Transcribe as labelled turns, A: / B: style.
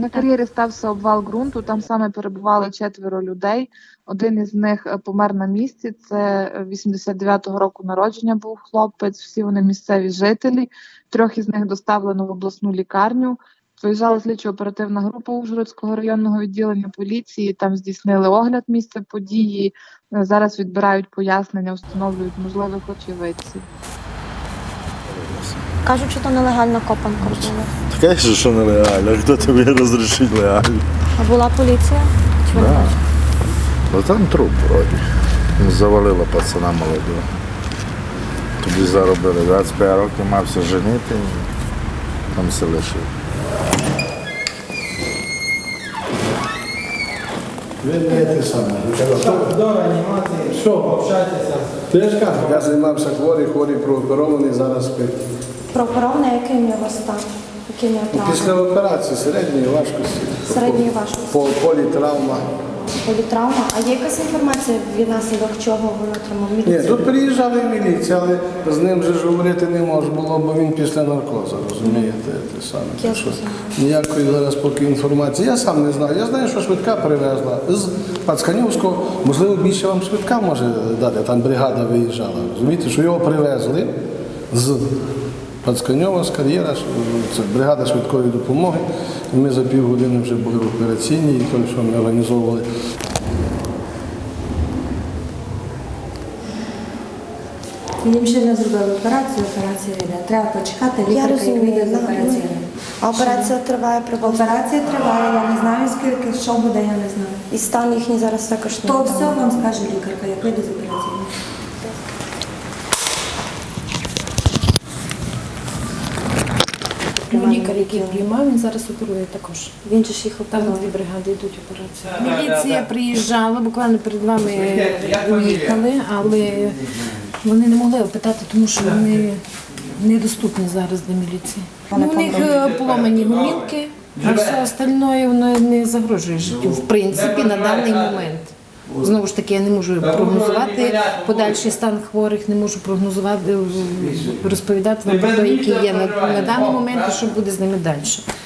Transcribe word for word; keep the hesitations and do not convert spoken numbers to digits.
A: На кар'єрі стався обвал ґрунту, там саме перебували четверо людей. Один із них помер на місці, це вісімдесят дев'ятого року народження був хлопець, всі вони місцеві жителі. Трьох із них доставлено в обласну лікарню. Виїжджала слідчо-оперативна група Ужгородського районного відділення поліції, там здійснили огляд місця події, зараз відбирають пояснення, встановлюють можливих очевидців.
B: Кажуть, що то нелегальна копанка робила.
C: Таке, що нелегально, хто тобі розрішить легально?
B: А була поліція? Чи ви не
C: Да.
B: бачите?
C: Ну там труп вроді. Завалила пацана молодого. Тоді заробили двадцять п'ять років, мався женити, там все лишив.
D: Ви не те саме.
E: До реанімації,
D: Що?
E: общайтеся.
D: То я ж кажу, я займався хворий, хворий прооперований, зараз спить.
B: Прокурорний, який в нього стан? Який в нього травми?
D: Після операції середньої важкості.
B: Середньої важкості.
D: По політравма.
B: Політравма. А є якась інформація, від наслідок чого він отримав
D: Ні,
B: міліцію?
D: тут приїжджали міліція, але з ним же ж говорити не можна було, бо він після наркозу, розумієте, те саме.
B: Я
D: Так що
B: зрозуміла.
D: ніякої зараз поки інформації. Я сам не знаю. Я знаю, що швидка привезла з Пацканівського. Можливо, більше вам швидка може дати, там бригада виїжджала. Розумієте, що його привезли з Пацканьова, з кар'єра, це бригада швидкої допомоги. І ми за півгодини вже були в операційній, і то, що ми організовували.
F: Їм ще не зробили операцію, операція йде. Треба почекати,
B: Я
F: лікарка як
B: розумію.
F: вийде з
B: ну,
F: операції.
B: А операція триває приблизно.
F: Операція триває, я не знаю скільки, що буде, я не знаю.
B: І стан їхній зараз також не
F: То
B: відомо.
F: все вам скаже лікарка, як вийде з операції.
G: Ну, лікар, який приймав, він зараз оперує також.
B: Він же ж їх
G: Там
B: оперує.
G: дві бригади йдуть операції. Міліція приїжджала, буквально перед вами уїхали, але вони не могли опитати, тому що вони недоступні зараз для міліції. Ну, у них е, поломані гумілки, а все остальне воно не загрожує життю, в принципі, на даний момент. Знову ж таки, я не можу прогнозувати подальший стан хворих, не можу прогнозувати, розповідати вам про те, який є на, на даний момент і що буде з ними далі.